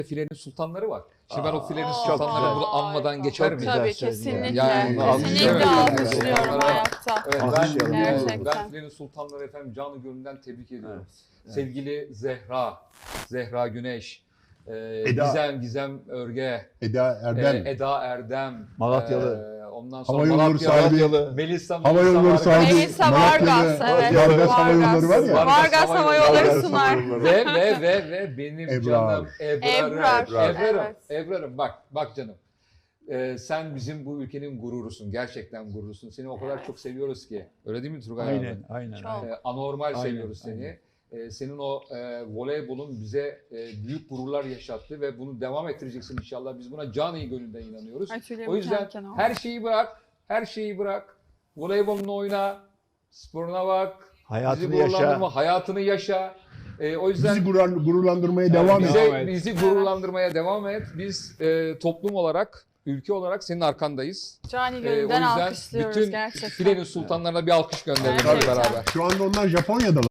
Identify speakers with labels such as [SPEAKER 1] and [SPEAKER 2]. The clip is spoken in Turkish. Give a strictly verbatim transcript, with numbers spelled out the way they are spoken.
[SPEAKER 1] Filenin sultanları var. Şimdi ben o filenin
[SPEAKER 2] Aa,
[SPEAKER 1] sultanlarını bunu
[SPEAKER 2] harika.
[SPEAKER 1] anmadan geçer
[SPEAKER 2] Çok
[SPEAKER 1] miyim?
[SPEAKER 2] Tabii
[SPEAKER 3] Güzel
[SPEAKER 2] kesinlikle.
[SPEAKER 1] Yani bunu
[SPEAKER 2] kesinlikle
[SPEAKER 1] alkışlayalım.
[SPEAKER 2] alkışlıyorum
[SPEAKER 1] Evet.
[SPEAKER 2] hayatta.
[SPEAKER 1] Evet,
[SPEAKER 3] Alkışlayalım.
[SPEAKER 1] ben,
[SPEAKER 2] Gerçekten.
[SPEAKER 1] ben Filenin sultanları efendim canı gönülden tebrik ediyorum.
[SPEAKER 3] Evet.
[SPEAKER 1] Sevgili Zehra, Zehra Güneş, e,
[SPEAKER 3] Eda.
[SPEAKER 1] Gizem, Gizem Örge,
[SPEAKER 3] Eda
[SPEAKER 1] e,
[SPEAKER 3] Erdem.
[SPEAKER 1] Eda Erdem,
[SPEAKER 3] Malatyalı.
[SPEAKER 1] e, ondan sonra
[SPEAKER 3] Hava yolları
[SPEAKER 1] Malatyalı,
[SPEAKER 3] sahibi.
[SPEAKER 1] Melisa,
[SPEAKER 3] Hava yolları
[SPEAKER 1] Vargas.
[SPEAKER 3] sahibi.
[SPEAKER 2] Melisa
[SPEAKER 3] Malatyalı,
[SPEAKER 2] Vargas, evet.
[SPEAKER 3] Vargas Hava Yolları var ya.
[SPEAKER 1] Vargas
[SPEAKER 2] Vargas
[SPEAKER 1] Hava
[SPEAKER 2] Hava
[SPEAKER 1] Yolları.
[SPEAKER 2] Yolları sunar.
[SPEAKER 1] Ve ve ve ve benim
[SPEAKER 3] Ebrar.
[SPEAKER 1] canım Ebrar'ım.
[SPEAKER 2] Ebrar,
[SPEAKER 1] Ebrar'ım.
[SPEAKER 2] evet.
[SPEAKER 1] Ebrar'ım bak bak canım. Ee, sen bizim bu ülkenin gururusun. Gerçekten gururusun. Seni o kadar
[SPEAKER 2] Evet.
[SPEAKER 1] çok seviyoruz ki. Öyle değil mi Turgay abi?
[SPEAKER 3] Aynen, aynen.
[SPEAKER 2] Çok.
[SPEAKER 3] aynen.
[SPEAKER 1] Ee, anormal
[SPEAKER 3] Aynen,
[SPEAKER 1] seviyoruz seni. Ee, senin o e, voleybolun bize e, büyük gururlar yaşattı ve bunu devam ettireceksin inşallah. Biz buna canı gönülden inanıyoruz.
[SPEAKER 2] Ay, tüylerim
[SPEAKER 1] O yüzden
[SPEAKER 2] diken diken oldu.
[SPEAKER 1] her şeyi bırak, her şeyi bırak. Voleybolunu oyna, sporuna bak.
[SPEAKER 3] Hayatını
[SPEAKER 1] bizi gururlandırma,
[SPEAKER 3] yaşa.
[SPEAKER 1] hayatını yaşa. Ee, o yüzden
[SPEAKER 3] Bizi gurur, gururlandırmaya devam et.
[SPEAKER 1] bize,
[SPEAKER 3] Devam et.
[SPEAKER 1] bizi gururlandırmaya devam et. Biz e, toplum olarak, ülke olarak senin arkandayız.
[SPEAKER 2] Cani
[SPEAKER 1] Ee, o
[SPEAKER 2] gönülden
[SPEAKER 1] yüzden
[SPEAKER 2] alkışlıyoruz
[SPEAKER 1] bütün
[SPEAKER 2] gerçekten.
[SPEAKER 1] filenin sultanlarına bir alkış gönderelim hep
[SPEAKER 2] Gerçekten.
[SPEAKER 1] beraber.
[SPEAKER 3] Şu anda onlar Japonya'dalar.